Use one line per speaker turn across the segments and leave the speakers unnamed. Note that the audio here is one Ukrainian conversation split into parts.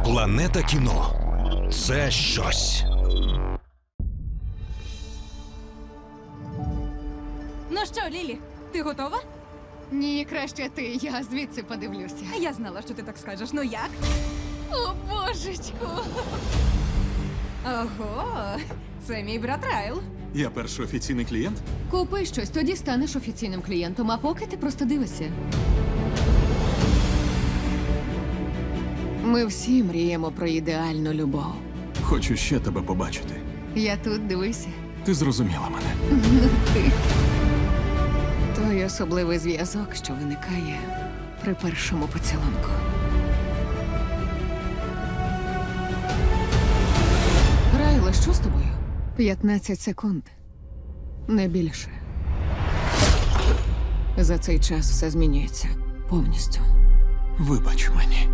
Планета кіно – це щось.
Ну що, Лілі, ти готова?
Ні, краще ти, я звідси подивлюся.
Я знала, що ти так скажеш. Ну як?
О, божечку!
Ого, це мій брат Райл.
Я перший офіційний клієнт?
Купи щось, тоді станеш офіційним клієнтом, а поки ти просто дивишся. Ми всі мріємо про ідеальну любов.
Хочу ще тебе побачити.
Я тут, дивися.
Ти зрозуміла мене.
Ну ти. Той особливий зв'язок, що виникає при першому поцілунку. Райле, що з тобою? 15 секунд. Не більше. За цей час все змінюється повністю.
Вибач мені.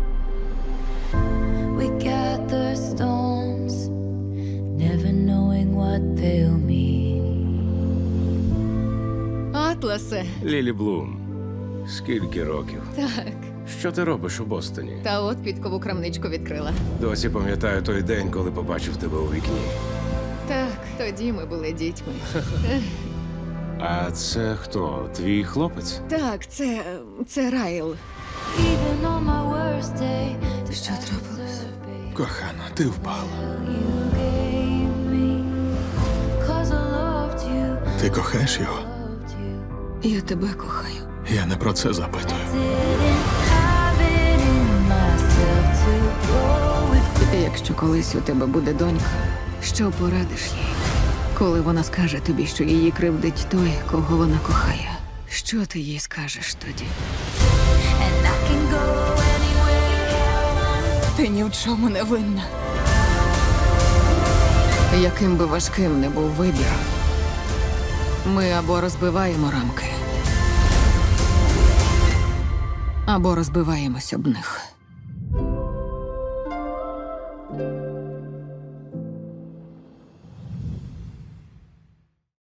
We gather stones, never knowing what they'll mean.
Атласе.
Лілі Блум, скільки років?
Так.
Що ти робиш у Бостоні?
Та от підкову крамничку відкрила.
Досі пам'ятаю той день, коли побачив тебе у вікні.
Так, тоді ми були дітьми.
А це хто? Твій хлопець?
Так, це Райл.
Even on my worst day, the
Що трапилось?
Кохана, ти впала.
you gave me. 'Cause I loved you,
Ти кохаєш його?
loved you.
Я тебе кохаю.
Я не про це запитую.
Didn't have it in myself to go with.
Якщо колись у тебе буде донька, що порадиш їй? Коли вона скаже тобі, що її кривдить той, кого вона кохає, що ти їй скажеш тоді?
And I can go anywhere.
Ти ні в чому не винна.
Яким би важким не був вибір, ми або розбиваємо рамки, або розбиваємось об них.